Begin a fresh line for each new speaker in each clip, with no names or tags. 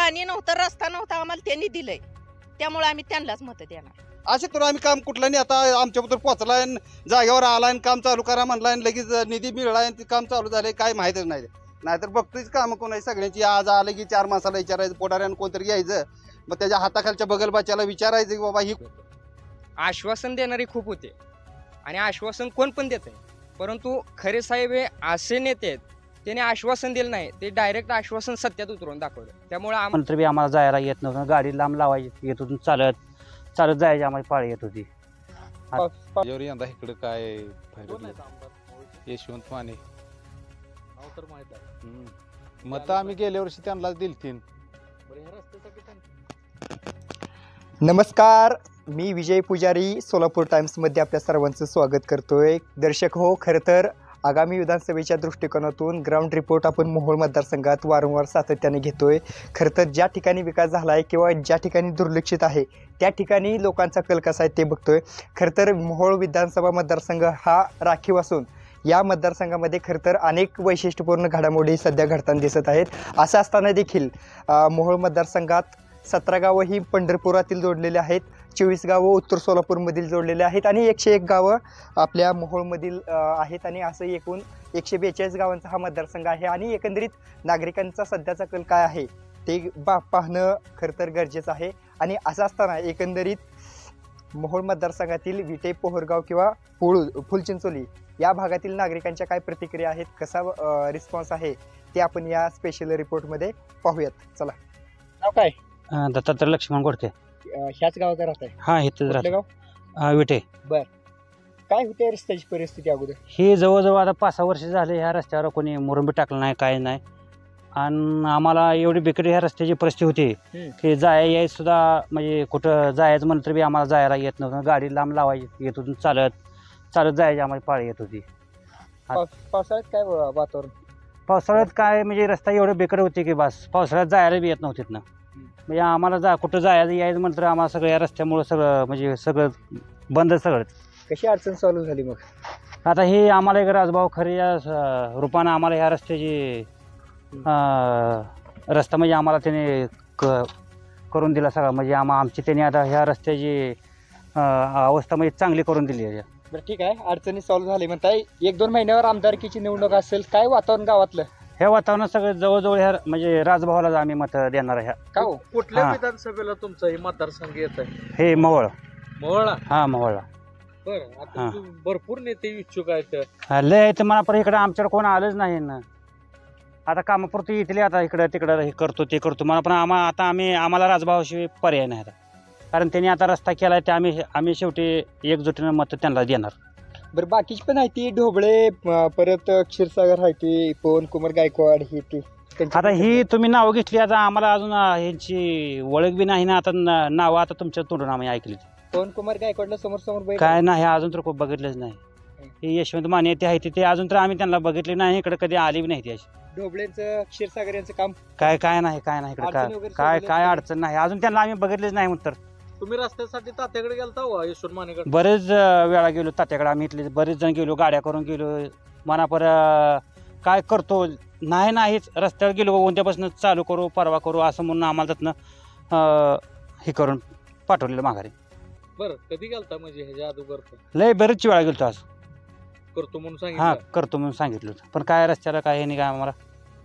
पाणी नव्हतं, रस्ता नव्हता, आम्हाला त्यांनी दिलंय, त्यामुळे आम्ही त्यांनाच मत देणार.
असे करून आम्ही काम कुठलं नाही. आता आमच्याबद्दल पोचलाय, जागेवर आलाय, काम चालू करा म्हणलाय, लगेच निधी मिळालाय, ते काम चालू झालंय, काय माहितच नाही. नाहीतर बघतोच काम कोण सगळ्यांची. आज आलं की 4 माणसाला विचारायचं, पोटाऱ्यानं कोणतरी घ्यायचं, मग त्याच्या हाताखालच्या बगलबाच्याला विचारायचं की बाबा ही.
आश्वासन देणारे खूप होते आणि आश्वासन कोण पण देत आहे, परंतु खरे साहेब हे असे नेते आहेत, त्याने आश्वासन दिलं नाही, ते डायरेक्ट आश्वासन सत्यात उतरवून दाखवलं. त्यामुळे
नंतर बी आम्हाला जायला येत नव्हतं, गाडी लांब लावायची येत होती, चालत चालत जायची आम्हाला पाळी येत होती.
यंदा इकडे काय यशवंत माने मत आम्ही गेल्या वर्षी त्यांनाच दिलतीन.
नमस्कार, मी विजय पुजारी, सोलापूर टाइम्समध्ये आपल्या सर्वांचं स्वागत करतोय. दर्शक हो, खरं तर आगामी विधानसभेच्या दृष्टिकोनातून ग्राउंड रिपोर्ट आपण मोहोळ मतदारसंघात वारंवार सातत्याने घेतोय. खरं तर ज्या ठिकाणी विकास झाला आहे किंवा ज्या ठिकाणी दुर्लक्षित आहे त्या ठिकाणी लोकांचा कल कसा आहे ते बघतोय. खरं तर मोहोळ विधानसभा मतदारसंघ हा राखीव असून या मतदारसंघामध्ये खरं तर अनेक वैशिष्ट्यपूर्ण घडामोडी सध्या घडताना दिसत आहेत. असं असताना देखील मोहोळ मतदारसंघात 17 गावं ही पंढरपुरातील जोडलेली आहेत, 24 गावं उत्तर सोलापूरमधील जोडलेले आहेत आणि 101 गावं आपल्या मोहोळमधील आहेत आणि असं एकूण 142 गावांचा हा मतदारसंघ आहे. आणि एकंदरीत नागरिकांचा सध्याचा कल काय आहे ते पाहणं खरं तर गरजेचं आहे. आणि असं असताना एकंदरीत मोहोळ मतदारसंघातील विटे, पोहरगाव किंवा फुलचिंचोली या भागातील नागरिकांच्या काय प्रतिक्रिया आहेत, कसा रिस्पॉन्स आहे ते आपण या स्पेशल रिपोर्टमध्ये पाहूयात. चला. नाव काय?
दत्तात्रय लक्ष्मण गोडके.
ह्याच गावात राहत आहे?
हा, इथं
गाव
विटे.
काय होते रस्त्याची परिस्थिती अगोदर?
हे जवळजवळ आता 5-6 वर्ष झाले ह्या रस्त्यावर कोणी मुरुंबी टाकलं नाही, काय नाही. आणि आम्हाला एवढी बिकट ह्या रस्त्याची परिस्थिती होती की यायची सुद्धा, म्हणजे कुठं जायचं म्हणलं तर बी आम्हाला जायला येत नव्हतं, गाडी लांब लावायची येत होती, चालत चालत जायची आम्हाला पाळी येत होती.
पावसाळ्यात काय वातावरण?
पावसाळ्यात काय म्हणजे रस्ता एवढे बिकट होते की बस पावसाळ्यात जायला बी येत नव्हते ना. म्हणजे आम्हाला कुठं जायचं यायचं म्हटलं तर आम्हाला सगळं या रस्त्यामुळं सगळं म्हणजे सगळं बंद सगळंच.
कशी अडचण चालू झाली मग?
आता हे आम्हाला एक राजभाऊ खरे या रूपानं आम्हाला ह्या रस्त्याची रस्ता म्हणजे आम्हाला त्याने करून दिला सगळं. म्हणजे आमची त्याने आता ह्या रस्त्याची अवस्था म्हणजे चांगली करून दिली आहे.
बरं, ठीक आहे. अडचणी सॉल्व्ह झाली म्हणताय. 1-2 महिन्यावर आमदारकीची निवडणूक असेल, काय वातावरण गावातलं?
हे वातावरण सगळं जवळजवळ ह्या म्हणजे राजभावालाच आम्ही मत देणार आहे.
का हो?
कुठल्या विधानसभेला तुमचा हे मतदारसंघ येत आहे?
हे मोहोळ.
मोहोळला?
हा, मोहोळला.
बरं, आता भरपूर नेते इच्छुक आहेत.
लय आहे तर मला पण इकडं आमच्याकडे कोण आलंच नाही ना. आता कामापुरती येतली, आता इकडं तिकडं हे करतो ते करतो मला, पण आम्हाला राजभावाशिवाय पर्याय नाही आता. कारण त्यांनी आता रस्ता केला आहे, ते आम्ही शेवटी एकजुटीनं मत त्यांना देणार.
बरं, बाकीची पण आहे ती ढोबळे, परत क्षीरसागर आहे ती, पवन कुमार गायकवाड, ही ती.
आता ही तुम्ही नावं घेतली, आता आम्हाला अजून ह्यांची ओळख बी नाही ना. आता नावं आता तुमच्या तोंडून आम्ही ऐकली.
पवन कुमार गायकवाडला समोर
काय नाही अजून तर खूप बघितलंच नाही. हे यशवंत माने ते आहे ते अजून तर आम्ही त्यांना बघितले नाही, इकडे कधी आली बी नाही ती अशी.
ढोबळेंचं, क्षीरसागर यांचं काम
काय नाही इकडे काय अडचण नाही अजून, त्यांना आम्ही बघितलेच नाही. म्हणतर
तुम्ही रस्त्यासाठी तात्याकडे गेलता हो, यशवंत मानेकडे?
बरेच वेळा गेलो तात्याकडे, आम्ही इथले बरेच जण गेलो, गाड्या करून गेलो. मनापर काय करतो नाहीच, रस्त्यावर गेलो, उद्यापासून चालू करू, परवा करू असं म्हणून आम्हाला त्यातनं हे करून पाठवलेलं माघारी.
बरं, कधी गेलता म्हणजे ह्याच्या अगोदर?
लय बरेच वेळा गेलो आज.
करतो म्हणून
हा,
सांगितलं?
करतो म्हणून सांगितलं, पण काय रस्त्याला काय हे नाही काय आम्हाला.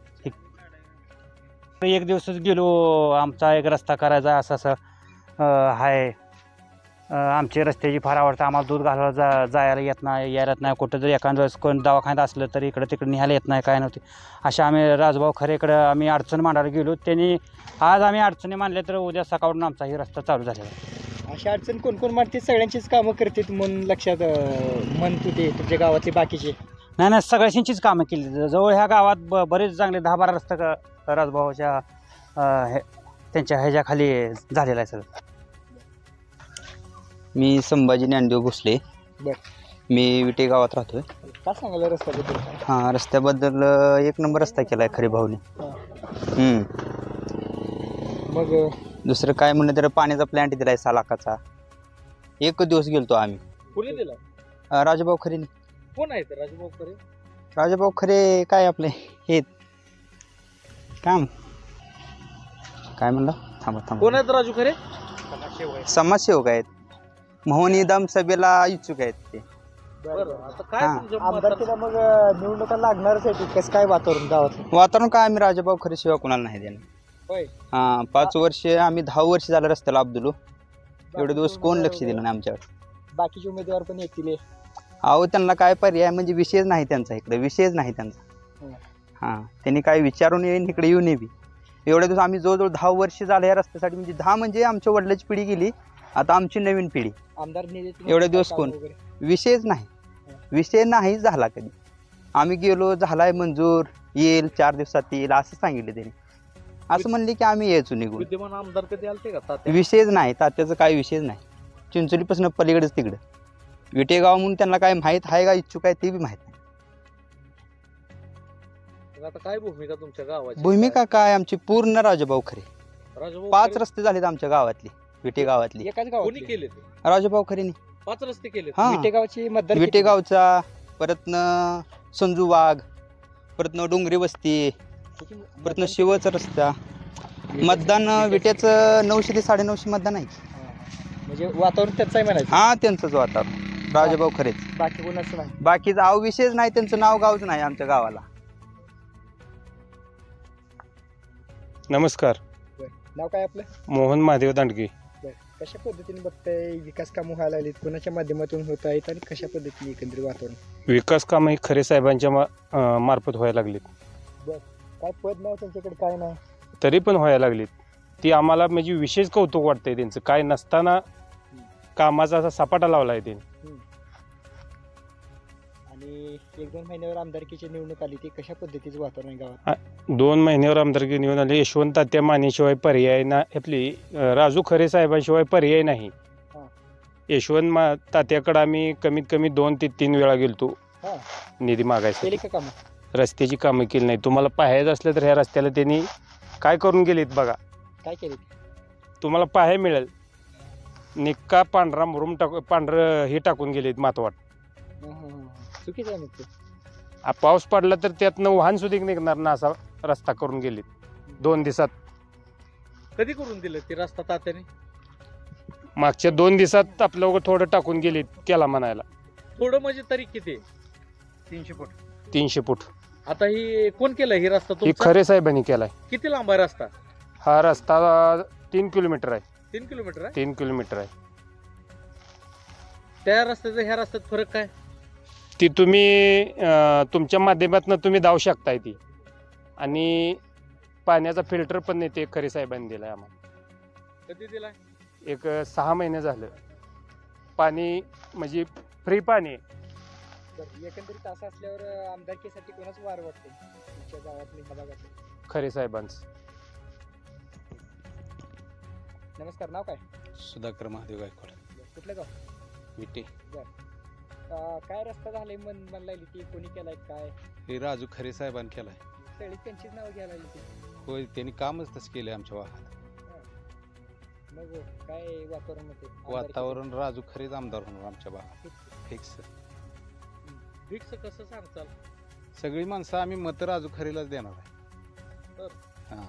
एक दिवसच गेलो, आमचा एक रस्ता करायचा असं आहे. आमची रस्त्याची फार आवडतं आम्हाला, दूध घालायला जायला येत नाही, यायला येत नाही. कुठं जर एखाद्या वेळेस कोण दवाखान्यात असलं तरी इकडं तिकडे निघायला येत नाही, काय नव्हते. अशा आम्ही राजभाऊ खरेकडं आम्ही अडचण मांडायला गेलो. त्यांनी आज आम्ही अडचणी मांडल्या तर उद्या सकाळून आमचा ही रस्ता चालू झालेला आहे.
अशा अडचण कोण मांडते? सगळ्यांचीच कामं करते म्हणून लक्षात म्हणतो ते तुमच्या गावातले बाकीचे?
नाही, सगळ्यांचीच कामं केली. जवळ ह्या गावात बरेच चांगले 10-12 रस्ते राजभावाच्या त्यांच्या ह्याच्याखाली झालेला आहे सगळं.
मी संभाजी ज्ञानदेव भोसले. मी विटे गावात राहतोय.
काय सांगायला रस्त्याबद्दल?
हां, रस्त्याबद्दल 1 नंबर रस्ता केला आहे खरे भाऊने.
मग
दुसरं काय म्हणलं तर पाण्याचा प्लॅन्ट दिला आहे 6 लाखाचा. 1 दिवस गेलतो आम्ही.
कुणी दिला?
राजभाऊ खरेने.
कोण आहे राजभाऊ खरे?
राजभाऊ खरे काय आपले हे काय म्हणलं थांबा
कोण
थांबा
आहेत राजू खरे?
समाजसेवक आहेत मोहन इदाम सभेला इच्छुक आहेत ते
बरं आता काय
हां.
तुमच्या
आमदारकीला मग निवडणुका लागणारच आहे की कसं काय वातावरण गावात?
वातावरण काय आम्ही राजाभाऊ खरे शिवाय कोणाला नाही देणार.
होय.
हां 5 वर्ष आम्ही 10 वर्ष झालं रस्त्याला अब्दुलो एवढे दिवस कोण लक्ष दिलं नाही आमच्यावर.
बाकीचे उमेदवार पण येतील.
अहो त्यांना काय पर्याय म्हणजे विषयच नाही त्यांचा इकडे विषयच नाही त्यांचा. हां त्यांनी काय विचारून येईन इकडे येऊन बी एवढे दिवस आम्ही जवळजवळ 10 वर्ष झालं या रस्त्यासाठी म्हणजे 10 म्हणजे आमच्या वडिलांची पिढी गेली आता आमची नवीन पिढी.
आमदार
एवढे दिवस कोण? विषयच नाही विषय नाही झाला कधी. आम्ही गेलो झालाय मंजूर येईल 4 दिवसात येईल असं सांगितलं त्यांनी. असं म्हणले की आम्ही यायचो निघून.
विद्यमान आमदार कधी आलते का तात्या?
विषयच नाही तात्याचं काय विषयच नाही. चिंचोलीपासून पलीकडेच तिकडं विटेगाव म्हणून त्यांना काय माहीत आहे का इच्छुक आहे ते बी माहीत नाही.
मग आता काय भूमिका तुमच्या गावाची?
भूमिका काय आमची पूर्ण राजाभाऊ खरे.
राजूभाऊ
5
खरे
रस्ते झालेत आमच्या गावातली विटे गावातली
एकाच
कोणी
गावात
केले ते?
राजाभाऊ खरेनी.
5 रस्ते केले.
हां
विटेगावची मतदार
विटेगावचा परतनं संजू वाघ परतनं डोंगरी वस्ती परतनं शिवचा रस्ता मतदान विट्याचं 900 ते 950 मतदान आहे.
म्हणजे वातावरण त्याचं आहे म्हणायचं.
हां त्यांचंच वातावरण राजाभाऊ खरेच.
बाकी कोणाचं नाही.
बाकीचा अहो विषयच नाही त्यांचं नाव गावच नाही आमच्या गावाला.
नमस्कार.
नाव काय आपलं?
मोहन महादेव दांडगे.
कशा पद्धतीने बघताय विकास कामं व्हायला लागलीत कोणाच्या माध्यमातून होत आहेत आणि कशा पद्धतीने एकंदरीत वातावरण?
विकास कामं ही खरे साहेबांच्या मार्फत व्हायला लागलीत.
काय पद नाही त्यांच्याकडे काय नाही.
तरी पण व्हायला लागलीत. ती आम्हाला म्हणजे विशेष कौतुक वाटतंय त्यांचं. काय नसताना कामाचा असा सपाटा लावला आहे त्यांनी.
आणि 1-2 महिन्यावर आमदारकीची निवडणूक आली ती कशा पद्धतीचं वातावरण आहे गावात?
2 महिन्यावर आमदारकी निवडून आले. यशवंत तात्या मानेशिवाय पर्याय ना आपली राजू खरे साहेबांशिवाय पर्याय नाही. यशवंत तात्याकडे आम्ही कमीत कमी 2 ते 3 वेळा गेलतो निधी मागायसाठी.
केली का कामं?
रस्त्याची कामं केली नाही. तुम्हाला पाहायचं असलं तर ह्या रस्त्याला त्यांनी काय करून गेलीत बघा.
काय केली?
तुम्हाला पाहाय मिळेल निक्का पांढरा मुरुम पांढरं हे टाकून गेलेत मातवाट.
चुकीचं आहे मग ते.
पाऊस पडला तर त्यातनं वाहन सुद्धा निघणार ना असा रस्ता करून गेलीत 2 दिवसात.
कधी करून दिलं ते रस्ता तात्याने?
मागच्या 2 दिवसात आपलं थोडं टाकून गेलीत केला म्हणायला.
थोडं म्हणजे तरी किती?
300 फूट.
आता ही कोण केलं ही रस्ता
ही
तुमचा?
खरे साहेबांनी केलाय.
किती लांब आहे रस्ता?
हा रस्ता 3 किलोमीटर आहे.
3 किलोमीटर आहे.
3 किलोमीटर आहे.
त्या रस्त्याचा ह्या रस्त्यात फरक काय?
ती तुम्ही तुमच्या माध्यमातून तुम्ही जाऊ शकताय ती. आणि पाण्याचा फिल्टर पण नाही ते खरे साहेबांनी दिलाय आम्हाला.
कधी दिलाय?
एक 6 महिने झालं. पाणी म्हणजे फ्री पाणी आहे.
एकंदरीत असं असल्यावर आमदारकीसाठी कोणाच वार वाटते तुमच्या गावातली ह्या भागातली?
खरे साहेबांचं.
नमस्कार. नाव काय?
सुधाकर महादेव गायकवाड
कुठलं गाव?
विटे.
काय रस्ता झालाय मन लागली ती कोणी केलाय काय?
हे राजू खरे साहेबांनी केलाय.
सगळी त्यांचीच नाव घ्यायला लागली ती.
होय त्यांनी कामच तसं केलंय आमच्या भागात.
मग काय वातावरण होते?
वातावरण राजू खरेच आमदार होणार आमच्या भागात फिक्स.
फिक्स कसं सांगताल?
सगळी माणसं आम्ही मत राजू खरेलाच देणार आहे. हां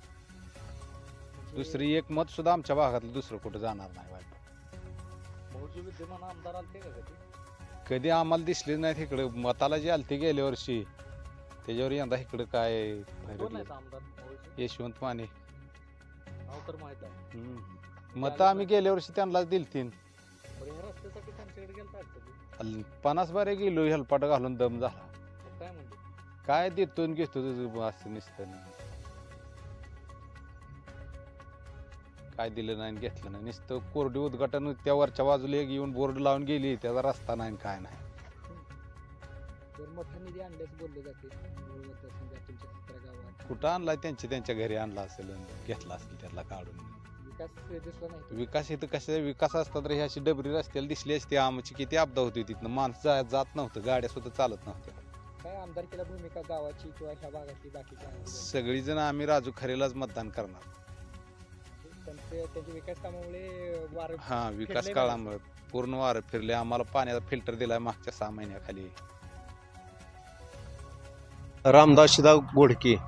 दुसरी एक मत सुद्धा आमच्या भागातलं दुसरं कुठं जाणार नाही.
भाऊजी विद्यमान आमदार आलते का कधी?
कधी आम्हाला दिसले नाहीत इकडे. मताला जे आलते गेल्या वर्षी त्याच्यावर यंदा इकडं काय
कोण
भरलं.
आहेत आमदार भाऊजी?
यशवंत माने.
नाव तर माहित आहे.
मतं आम्ही गेल्या वर्षी त्यांनाच दिलतीन.
बरं ह्या रस्त्यासाठी त्यांच्याकडे गेलता कधी?
50 बारे गेलो हेलपाट घालून दम झाला.
काय म्हणते?
काय देतो आणि घेतो असं नुसतं. काय दिलं नाही आणि घेतलं नाही नुसतं कोरडी उद्घाटन. त्या वरच्या बाजूला एक येऊन बोर्ड लावून गेली त्याचा रस्ता नाही काय नाही.
मोठा निधी आणल्यास बोलले जाते तुमच्या 17 गावात.
कुठं आणलाय त्यांच्या घरी आणला असेल घेतला असेल त्याला काढून.
विकास दिसला नाही.
विकास इथं कशा विकास असता तर ही अशी डबरी रस्त्याला दिसली असती. आमची किती अपदा होती तिथनं. माणसं जात नव्हतं गाड्या सुद्धा चालत नव्हत्या.
काय आमदारकीला भूमिका गावाची किंवा ह्या भागातली बाकीच्या?
सगळीजण आम्ही राजू खरेलाच मतदान करणार.
त्यांच्या विकास कामामुळे वार
हा विकास काळामुळे पूर्ण वारं फिरले. आम्हाला पाण्याचा फिल्टर दिलाय मागच्या 6 महिन्याखाली.
रामदास शिदा गोडके.
बरं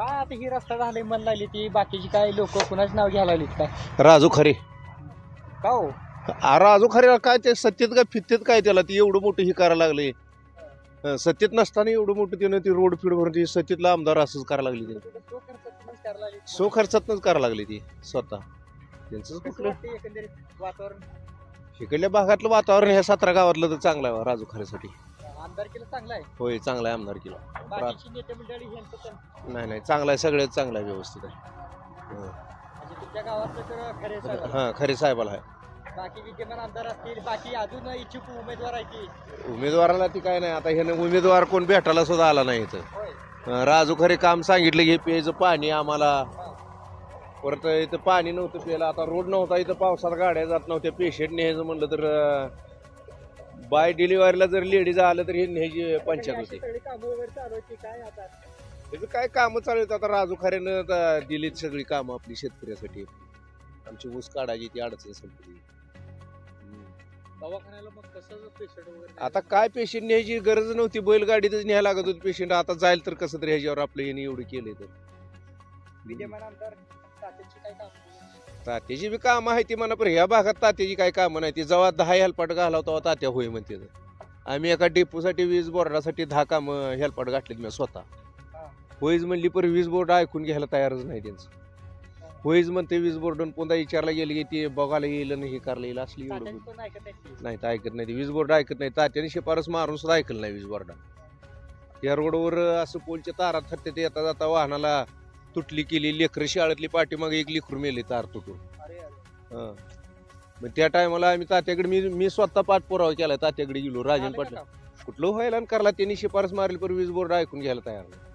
काय आता ही रस्ता झाले मन लागली ती बाकीची काय लोक कुणाच नाव घ्यायला लागलीत काय
राजू खरे
का हो
राजू खरे काय ते सत्तेत काय फित्तेत काय त्याला ती एवढं मोठं ही करायला लागले सत्तेत नसताना एवढं मोठं त्यानं ती रोड फीड भरून ती सत्तेतला आमदार असंच करायला लागली त्याने सो खर्चातनंच करायला लागली ती स्वतः त्यांचं कुठलं
एकंदरीत वातावरण
इकडल्या भागातलं वातावरण ह्या 17 गावातलं तर चांगलं आहे राजू खरेसाठी
आमदारकीला चांगला आहे
होय चांगला आहे आमदारकीला
बाकीची नेते मंडळी ह्यांचं पण
नाही चांगला आहे सगळ्यात चांगला आहे व्यवस्थित आहे
म्हणजे तुमच्या गावातलं तर खरे साहेब
हां खरे साहेबाला आहे
बाकी विद्यमान आमदार असतील बाकी अजून इच्छुक उमेदवार आहे की
उमेदवाराला ती काय नाही आता ह्यानं उमेदवार कोण भेटायला सुद्धा आला नाही इथं
होय
राजू खरे काम सांगितलं की प्यायचं पाणी आम्हाला परत इथं पाणी नव्हतं प्यायला आता रोड नव्हता इथं पावसात गाड्या जात नव्हत्या पेशंट न्यायचं म्हणलं तर बाय डिलिव्हरीला जर लेडीज आलं तर हे न्यायची पंचायत होती
सगळी कामं वगैरे चालू आहेत की काय आता
त्याचं काय कामं चालू आहेत आता राजू खऱ्यानं आता दिलीत सगळी कामं आपली शेतकऱ्यासाठी आमची ऊस काढायची ती अडचण संपली
दवाखान्याला मग कसं पेशंट वगैरे
आता काय पेशंट न्यायची गरज नव्हती बैलगाडीतच न्यायला लागत होती पेशंट आता जाईल तर कसं तरी ह्याच्यावर आपलं याने एवढं केलंय तर
विद्यमान आमदार तात्याची काय काम
तात्याची बी कामं आहे ती म्हणा पण ह्या भागात तात्याची काय कामं नाही ती जेव्हा 10 हेल्पाट घालावं तेव्हा तात्या होय म्हणते आम्ही एका डेपोसाठी वीज बोर्डासाठी 10 कामं हेल्पाट घातलीत मी स्वतः होईच म्हणली पण वीज बोर्ड ऐकून घ्यायला तयारच नाही त्यांचं होईच म्हणते वीज बोर्डून पुन्हा विचारला गेली की ते बघायला येईल आणि हे करायला येईल असली एवढं
तात्यांची पण ऐकत नाही
नाही तर ऐकत नाही ती वीज बोर्ड ऐकत नाही तात्याने शिफारस मारून सुद्धा ऐकलं नाही वीज बोर्डा या रोडवर असं पोलच्या तारात थरते ते येता जाता वाहनाला तुटली केली लेकरं शाळेतली पाठीमागे एक लेकरू मेले तार तुटून हां मग त्या टायमाला आम्ही तात्याकडे मी स्वतः पाठपुरावा केला तात्याकडे गेलो राजन पाटील कुठलं व्हायला आणि करला त्यांनी शिफारस मारली पण वीज बोर्ड ऐकून घ्यायला तयार नाही